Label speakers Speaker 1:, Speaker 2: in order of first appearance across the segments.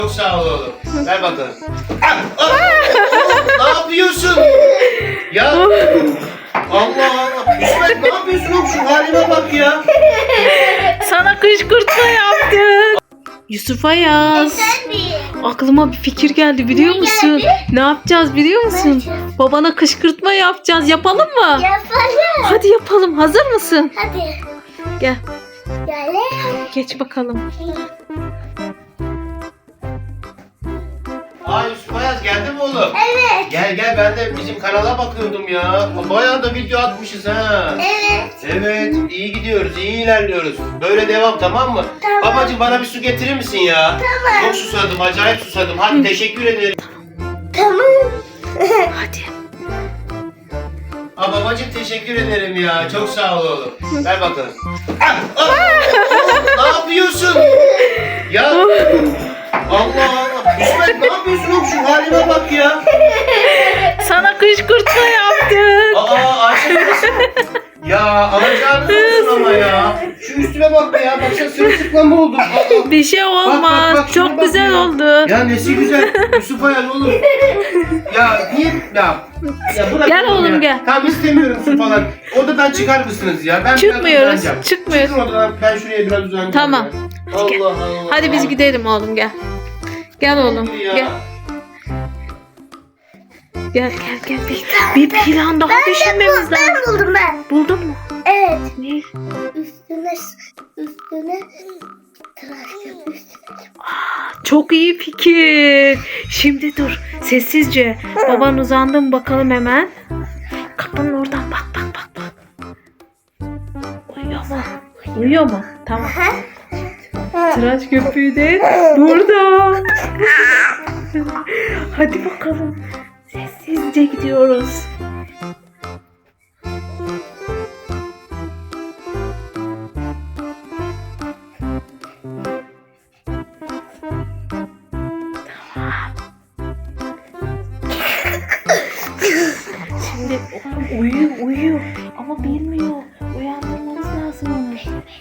Speaker 1: Çok sağ ol oğlum. Ver bakalım. Ne yapıyorsun? Ya Allah Allah. İsmet ne yapıyorsun oğlum? Şu halime bak ya.
Speaker 2: Sana kışkırtma yaptım. Yusuf Ayaz. Aklıma bir fikir geldi biliyor musun?
Speaker 3: geldi?
Speaker 2: Ne yapacağız biliyor musun?
Speaker 3: Ne yapacağız?
Speaker 2: Babana kışkırtma yapacağız. Yapalım mı?
Speaker 3: Yapalım.
Speaker 2: Hadi yapalım. Hazır mısın?
Speaker 3: Hadi.
Speaker 2: Gel.
Speaker 3: Gel.
Speaker 2: Geç bakalım.
Speaker 1: Aa Yusuf Ayaz geldi mi oğlum?
Speaker 3: Evet.
Speaker 1: Gel ben de bizim kanala bakıyordum ya. Bayağı da video atmışız ha.
Speaker 3: Evet.
Speaker 1: Evet iyi gidiyoruz, iyi ilerliyoruz. Böyle devam, tamam mı?
Speaker 3: Tamam.
Speaker 1: Babacığım bana bir su getirir misin ya?
Speaker 3: Tamam.
Speaker 1: Çok susadım, acayip susadım. Hadi teşekkür ederim.
Speaker 3: Tamam.
Speaker 2: Hadi.
Speaker 1: Aa babacığım teşekkür ederim ya. Çok sağ ol oğlum. Ver bakalım. Ne yapıyorsun? Ya Allah Allah. İsmet ne yapıyorsun oğlum? Şu halime bak ya.
Speaker 2: Sana kışkırtma yaptım.
Speaker 1: Aa Ayşe nasıl? Ya alacağınız olsun ama ya. Şu üstüme bak ya. Baksana sırılsıklam oldum. Aa.
Speaker 2: Bir şey olmaz.
Speaker 1: Bak, şuna
Speaker 2: Çok
Speaker 1: bak
Speaker 2: güzel
Speaker 1: ya.
Speaker 2: oldu.
Speaker 1: Ya nesi güzel. Yusuf Ayaz oğlum. Ya niye? Ya bırak
Speaker 2: Gel oğlum,
Speaker 1: ya.
Speaker 2: gel.
Speaker 1: Tamam istemiyorum su falan. Odadan çıkar mısınız ya? Ben biraz
Speaker 2: Çıkmıyoruz.
Speaker 1: uzanacağım.
Speaker 2: Çıkmıyoruz.
Speaker 1: Çıkın odadan. Ben şuraya biraz uzanacağım.
Speaker 2: Tamam.
Speaker 1: Ya.
Speaker 2: Hadi gel.
Speaker 1: Allah Allah.
Speaker 2: Hadi biz gidelim oğlum gel. Gel oğlum.
Speaker 1: Ya.
Speaker 2: Gel. Gel. Bir plan daha düşünmemiz lazım.
Speaker 3: Ben buldum ben.
Speaker 2: Buldun mu?
Speaker 3: Evet.
Speaker 2: Ne?
Speaker 3: Üstüne tıraş yap üstüne.
Speaker 2: Çok iyi fikir. Şimdi dur. Sessizce. Baban uzandı mı bakalım hemen. Kapının oradan bak. Uyuyor mu? Uyuyor mu? Tamam. Tıraş köpüğü de burada. Hadi bakalım. Sessizce gidiyoruz. Şimdi uyuyor ama bilmiyor. Uyandırmamız lazım onu.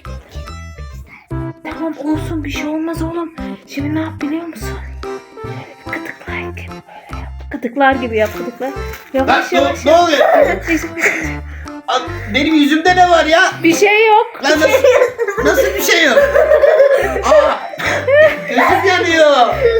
Speaker 2: Tamam olsun, bir şey olmaz oğlum. Şimdi ne yap biliyor musun? Şöyle bir gıdıklar gibi böyle yap. Gıdıklar gibi yap, gıdıklar.
Speaker 1: Lan
Speaker 2: Yavaş yavaş
Speaker 1: ne
Speaker 2: yap.
Speaker 1: oluyor? Aa, benim yüzümde ne var ya?
Speaker 2: Bir şey yok.
Speaker 1: Lan nasıl bir şey yok? Aa, gözüm yanıyor.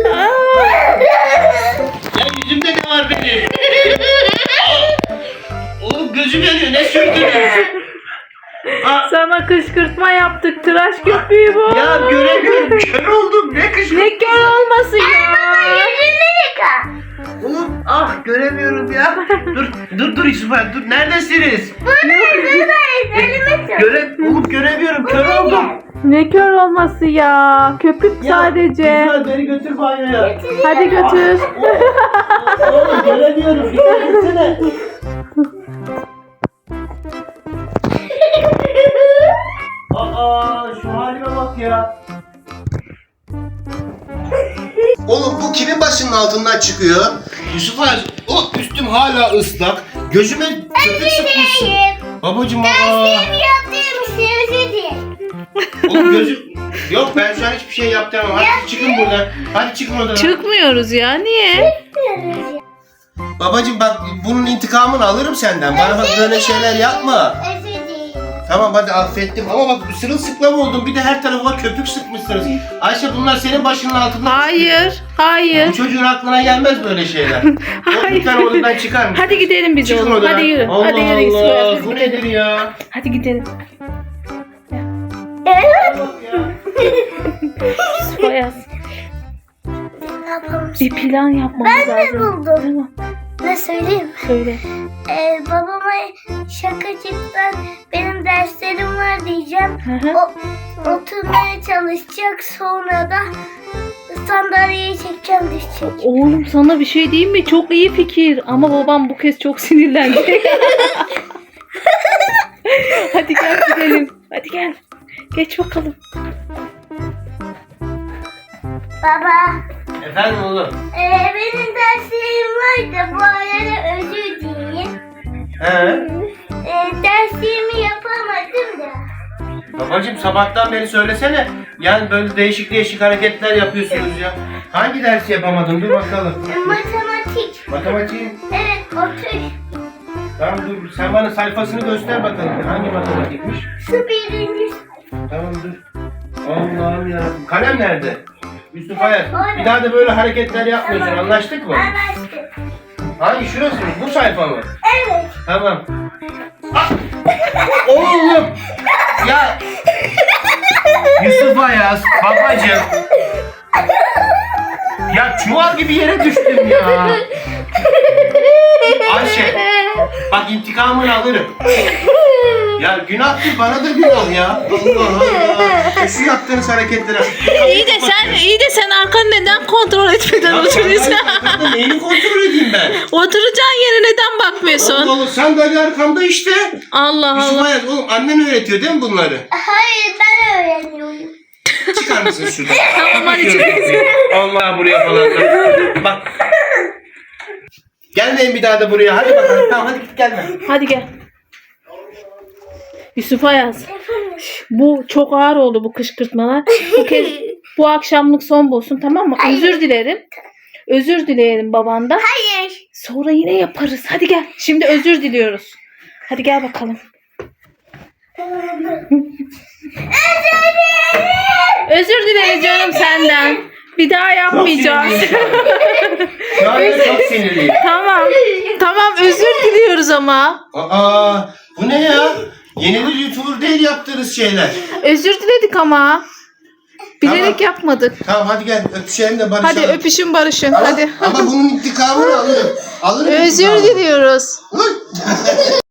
Speaker 1: Ya yüzümde ne var benim? Aa, oğlum gözüm yanıyor. Ne sürdünüz?
Speaker 2: Sana kışkırtma yaptık. Tıraş köpüğü bu.
Speaker 1: Ya göremiyorum. Kör oldum. Ne kışkırtması?
Speaker 2: Ne kör olması ya.
Speaker 3: Yüzünü yıka.
Speaker 1: Oğlum göremiyorum ya. Dur Yusuf abi dur. Neredesiniz?
Speaker 3: Buradayız. Elime tut.
Speaker 1: Oğlum göremiyorum. Kör oldum.
Speaker 2: Ne kör olması ya. Köpük
Speaker 1: Ya,
Speaker 2: sadece.
Speaker 1: Güzel beni götür banyoya.
Speaker 2: Hadi götür.
Speaker 1: Oğlum göremiyorum. Dikkat etsene. Aa şu halime bak ya. Oğlum bu kimin başının altından çıkıyor? Yusuf Aziz, o üstüm hala ıslak. Gözüme köpük sıkmışsın. Babacım aa.
Speaker 3: Yaptığım şey değil.
Speaker 1: Oğlum gözüm... Yok ben şu an hiçbir şey yaptıramam. Hadi çıkın buradan. Hadi çıkın odadan.
Speaker 2: Çıkmıyoruz ya. Niye?
Speaker 1: Babacım bak bunun intikamını alırım senden. Bana bak böyle şeyler yapma.
Speaker 3: Özür dilerim.
Speaker 1: Tamam hadi affettim ama bak sırılsıklam oldum. Bir de her tarafıma köpük sıkmışsınız. Ayşe bunlar senin başının altında.
Speaker 2: Hayır.
Speaker 1: Bu çocuğun aklına gelmez böyle şeyler.
Speaker 2: Hayır.
Speaker 1: Lütfen odadan çıkar mısın?
Speaker 2: Hadi gidelim biz
Speaker 1: Çıkın
Speaker 2: oğlum.
Speaker 1: odadan.
Speaker 2: Hadi yürü.
Speaker 1: Allah
Speaker 2: Hadi yürü. Yusuf Ayaz,
Speaker 1: Allah.
Speaker 2: biz
Speaker 1: Bu
Speaker 2: gidelim.
Speaker 1: nedir ya?
Speaker 2: Hadi gidelim.
Speaker 3: Evet.
Speaker 2: Yusuf Ayaz,
Speaker 3: Ne yapalım?
Speaker 2: bir plan yapmamız
Speaker 3: Ben de
Speaker 2: lazım.
Speaker 3: buldum.
Speaker 2: Tamam.
Speaker 3: Ne söyleyeyim?
Speaker 2: Söyle.
Speaker 3: Babama şakacıktan benim derslerim var diyeceğim.
Speaker 2: Hı hı.
Speaker 3: O oturmaya çalışacak, sonra da sandalyeyi çekeceğim, düşecek.
Speaker 2: Oğlum sana bir şey diyeyim mi? Çok iyi fikir. Ama babam bu kez çok sinirlendi. Hadi gel gidelim. Hadi gel. Geç bakalım.
Speaker 3: Baba,
Speaker 1: Efendim oğlum?
Speaker 3: benim derslerim var da bu arada özür dileyim.
Speaker 1: He?
Speaker 3: Derslerimi yapamadım da.
Speaker 1: Babacım sabahtan beri söylesene. Yani böyle değişik hareketler yapıyorsunuz ya. Hangi dersi yapamadın? Dur bakalım.
Speaker 3: Matematik.
Speaker 1: Matematiğin.
Speaker 3: Evet, otur.
Speaker 1: Tamam dur. Sen bana sayfasını göster bakalım. Hangi matematikmiş?
Speaker 3: Şu birinci.
Speaker 1: Tamam dur. Allah'ım yarabbim. Kalem nerede? Yusuf Ayaz.
Speaker 3: orada.
Speaker 1: Bir daha da böyle hareketler yapmıyorsun.
Speaker 3: Tamam.
Speaker 1: Anlaştık mı?
Speaker 3: Anlaştık.
Speaker 1: Hangi şurası mı? Bu sayfa mı?
Speaker 3: Evet.
Speaker 1: Tamam. Ah! Oğlum! Ya! Yusuf Ayaz, babacığım. Ya çuval gibi yere düştüm ya. Ayşe, bak intikamını alırım. Ya günahtır, bana da günah ya. Allah Allah. Şu yaptığınız hareketlere.
Speaker 2: İyi de sen arkanı neden kontrol etmeden oturuyorsun?
Speaker 1: Ya neyini kontrol edeyim ben?
Speaker 2: Oturacağın yere neden bakmıyorsun?
Speaker 1: Allah Allah, sandalye arkamda işte.
Speaker 2: Allah
Speaker 1: Yusuf
Speaker 2: Allah.
Speaker 1: Ayaz, oğlum annen öğretiyor değil mi bunları?
Speaker 3: Hayır, ben öğreniyorum.
Speaker 1: Çıkar mısın şuradan?
Speaker 2: Tamam, hadi çık.
Speaker 1: Allah buraya falan. Bak. Gelmeyin bir daha da buraya. Hadi bakalım. Tamam hadi git gelme.
Speaker 2: Hadi gel. Yusuf Ayaz. Bu çok ağır oldu bu kışkırtmalar. Bu akşamlık son bulsun, tamam mı?
Speaker 3: Hayır.
Speaker 2: Özür dilerim. Özür dileyelim babandan.
Speaker 3: Hayır.
Speaker 2: Sonra yine yaparız. Hadi gel. Şimdi özür diliyoruz. Hadi gel bakalım. Özür dileriz canım senden. Bir daha yapmayacağız.
Speaker 1: Şu anda çok sinirliyim.
Speaker 2: Tamam. Tamam, özür diliyoruz ama.
Speaker 1: Aa, bu ne ya? Yenilir YouTuber değil yaptığınız şeyler.
Speaker 2: Özür diledik ama. Bilerek
Speaker 1: Tamam.
Speaker 2: yapmadık.
Speaker 1: Tamam hadi gel öpüşelim de barışalım.
Speaker 2: Hadi öpüşün barışın.
Speaker 1: Ama,
Speaker 2: Hadi.
Speaker 1: ama bunun intikamını alırım. Alırım
Speaker 2: Özür
Speaker 1: intikamını.
Speaker 2: diliyoruz.
Speaker 1: Uy!